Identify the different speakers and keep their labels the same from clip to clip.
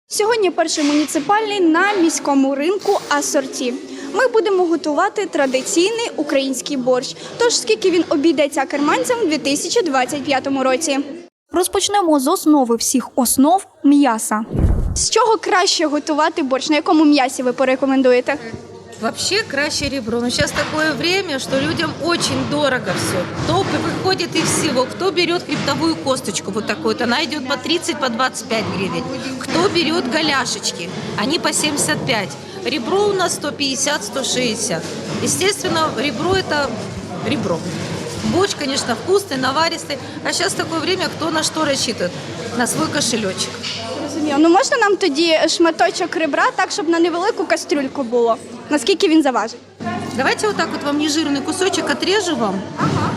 Speaker 1: Сьогодні перший муніципальний на міському ринку асорті. Ми будемо готувати традиційний український борщ. Тож, скільки він обійдеться керманцям у 2025 році? Розпочнемо з основи всіх основ – м'яса. З чого краще готувати борщ? На якому м'ясі ви порекомендуєте?
Speaker 2: Вообще краще ребро. Но сейчас такое время, что людям очень дорого все. Кто выходит из всего, кто берет хребтовую косточку вот такую, она идет по 30, по 25 гривен. Кто берет голяшечки, они по 75. Ребро у нас 150, 160. Естественно, ребро это ребро. Борщ, конечно, вкусный, наваристый. А сейчас такое время, кто на что рассчитывает? На свой кошелечек.
Speaker 1: Розумію. Ну можна нам тоді шматочок ребра, так, щоб на невелику кастрюльку було? Наскільки він заважить?
Speaker 2: Давайте вот так вот вам нежирный кусочек отрежу вам.
Speaker 1: Ага.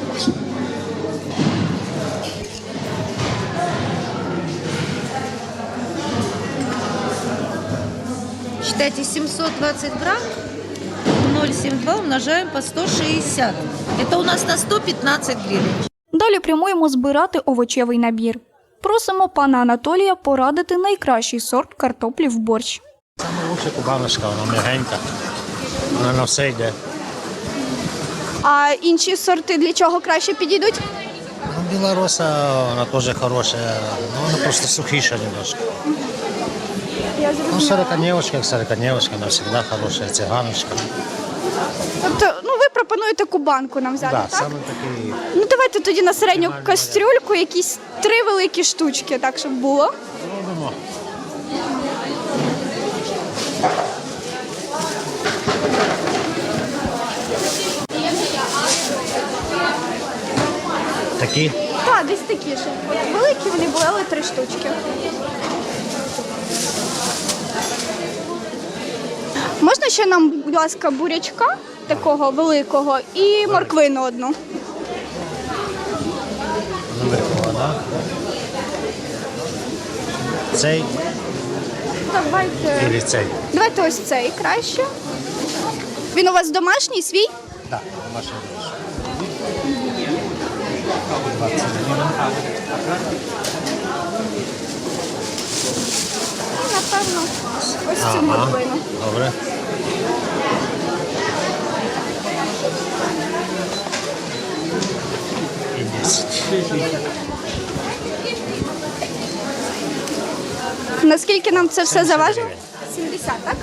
Speaker 2: Считайте 720 грамм, 0,72 умножаем по 160. Это у нас на 115 гривен.
Speaker 1: Далі прямуємо збирати овочевий набір. Просимо пана Анатолія порадити найкращий сорт картоплі в борщ.
Speaker 3: Саме лучше кубаночка, вона м'ягенька, вона на все йде.
Speaker 1: А інші сорти для чого краще підійдуть?
Speaker 3: Ну, білороса, вона теж хороша, ну, вона просто сухіша немножко.
Speaker 1: Я
Speaker 3: Ну, сороконевочка, як сороконевочка, вона завжди хороша, циганочка.
Speaker 1: Тобто, ви пропонуєте кубанку нам взяти,
Speaker 3: Да,
Speaker 1: так?
Speaker 3: саме такий.
Speaker 1: Ну давайте тоді на середню кастрюльку якісь 3 великі штучки, так, щоб було.
Speaker 3: Робимо. Такі?
Speaker 1: Так, десь такі, щоб великі вони були, але 3 штучки. Можна ще нам, будь ласка, бурячка такого великого і морквину одну?
Speaker 3: Великого, так? Цей
Speaker 1: Давайте.
Speaker 3: і цей?
Speaker 1: Давайте ось цей краще. Він у вас домашній, свій?
Speaker 3: Так, домашній борщ. 20 гривень.
Speaker 1: І, напевно, ось цю морквину.
Speaker 3: Добре. І 10.
Speaker 1: Наскільки нам це все заважить? 70, так?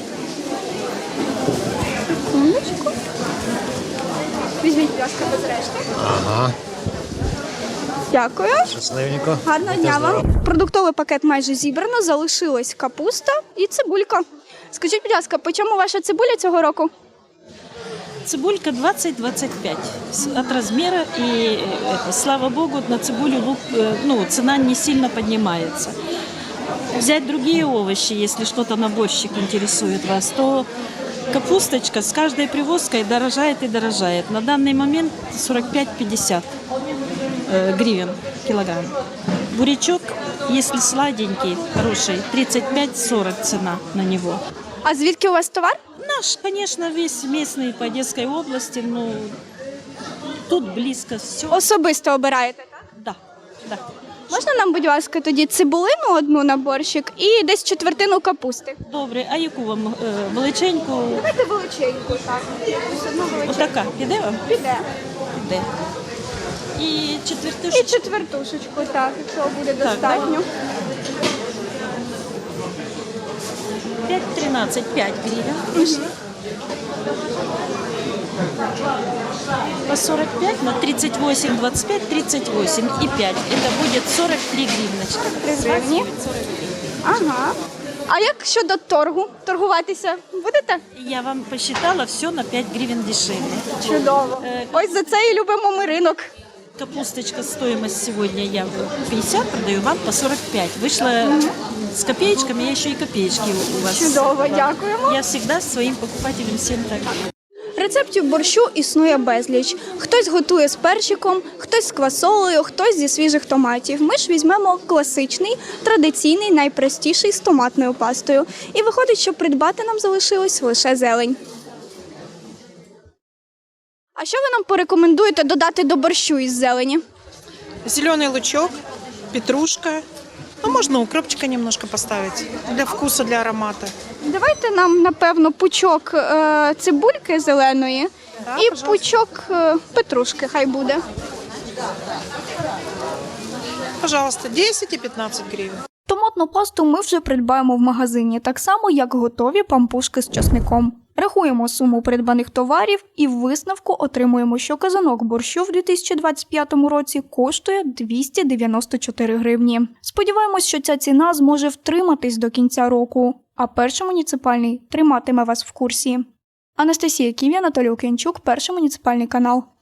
Speaker 1: Секундочку. Візьміть, будь ласка, без решти.
Speaker 3: Ага.
Speaker 1: Дякую.
Speaker 3: Щасливенько.
Speaker 1: Гарного
Speaker 3: Будьте
Speaker 1: дня
Speaker 3: здорові.
Speaker 1: вам. Продуктовий пакет майже зібрано, залишилась капуста і цибулька. Скажіть, будь ласка, по чому ваша цибуля цього року?
Speaker 4: Цибулька 20-25 от размера, и слава богу, на цибулю цена не сильно поднимается. Взять другие овощи, если что-то на борщик интересует вас, то капусточка с каждой привозкой дорожает и дорожает. На данный момент 45-50 гривен килограмм. Бурячок, если сладенький, хороший, 35-40 цена на него.
Speaker 1: А звідки у вас товар?
Speaker 4: Наш, конечно, весь местный по Одесской области, но тут близко все.
Speaker 1: Особисто обираєте, так?
Speaker 4: Да, да.
Speaker 1: Можна нам, будь ласка, тоді цибулину одну на борщик і десь четвертину капусти?
Speaker 4: Добре, а яку вам величеньку?
Speaker 1: Давайте величеньку, так. Ось одну величеньку.
Speaker 4: Отака, піде вам?
Speaker 1: Піде.
Speaker 4: Піде. І
Speaker 1: І
Speaker 4: четвертушечку.
Speaker 1: четвертушечку, так, якщо буде
Speaker 4: Так,
Speaker 1: достатньо.
Speaker 4: 5-13, 5 гривен. По 45 на 38, 25, 38 и 5. Это будет 43 гривночки.
Speaker 1: 3 гривні. Ага. А як щодо торгу? Торгуватися будете?
Speaker 4: Я вам посчитала все на 5 гривен дешевле.
Speaker 1: Чудово. Ось за це і любимо ми ринок.
Speaker 4: Капусточка, стоимость сегодня я 50 продаю, вам по 45. Вышла с копеечками, я еще и копеечки у вас.
Speaker 1: Чудово, дякуємо.
Speaker 4: Я всегда своим покупателям всем так.
Speaker 1: Рецептів борщу існує безліч. Хтось готує з перчиком, хтось з квасолею, хтось зі свіжих томатів. Ми ж візьмемо класичний, традиційний, найпростіший з томатною пастою. І виходить, що придбати нам залишилось лише зелень. А що ви нам порекомендуєте додати до борщу із зелені?
Speaker 5: Зеленый лучок, петрушка, Ну, можно укропчика немножко поставить для вкуса, для аромата.
Speaker 1: Давайте нам, напевно, пучок цибульки зеленої
Speaker 5: Так,
Speaker 1: і
Speaker 5: пожалуйста.
Speaker 1: пучок петрушки, хай буде.
Speaker 5: Пожалуйста, 10 и 15 гривен.
Speaker 1: Томатну пасту ми вже придбаємо в магазині, так само, як готові пампушки з часником. Рахуємо суму придбаних товарів і в висновку отримуємо, що казанок борщу в 2025 році коштує 294 гривні. Сподіваємось, що ця ціна зможе втриматись до кінця року, а перший муніципальний триматиме вас в курсі. Анастасія Ків'я, Анатолій Окенчук, перший муніципальний канал.